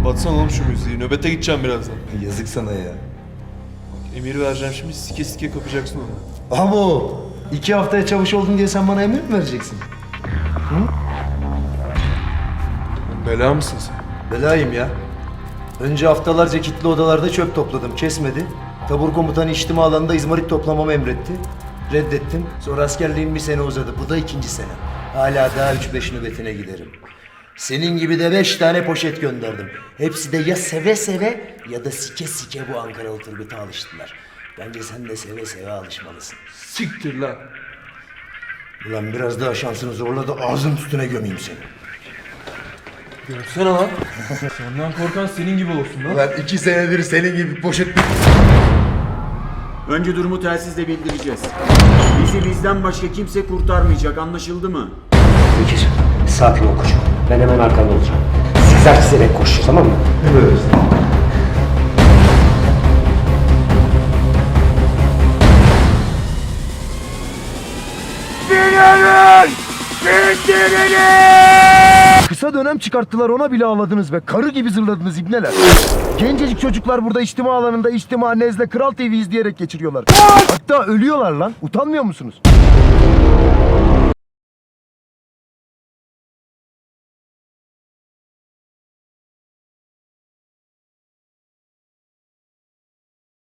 Kapatsana oğlum şu müziği. Nöbete gideceğim birazdan. Yazık sana ya. Emir vereceğim şimdi, sike sike kapacaksın onu. Abo! 2 haftaya çavuş oldun diye sen bana emir mi vereceksin? Bela mısın sen? Belayım ya. Önce haftalarca kilitli odalarda çöp topladım, kesmedi. Tabur komutanı içtima alanında izmarit toplamamı emretti. Reddettim. Sonra askerliğim 1 sene uzadı. Bu da 2. sene. Hala daha 3-5 nöbetine giderim. Senin gibi de 5 tane poşet gönderdim. Hepsi de ya seve seve ya da sike sike bu Ankaralı Turgut'a alıştılar. Bence sen de seve seve alışmalısın. Siktir lan. Ulan biraz daha şansını zorla da ağzın üstüne gömeyim seni. Görsene lan. Senden korkan senin gibi olsun lan. Ulan 2 senedir senin gibi poşet... Önce durumu telsizle bildireceğiz. Bizi bizden başka kimse kurtarmayacak, anlaşıldı mı? Bekir, sakin ol koçum. Ben hemen arkanda olacağım. Sizler çizerek koşun, tamam mı? Evet. Kısa dönem çıkarttılar, ona bile ağladınız ve karı gibi zırladınız ibneler. Gencecik çocuklar burada içtima alanında içtima nezle Kral TV izleyerek geçiriyorlar. Hatta ölüyorlar lan. Utanmıyor musunuz?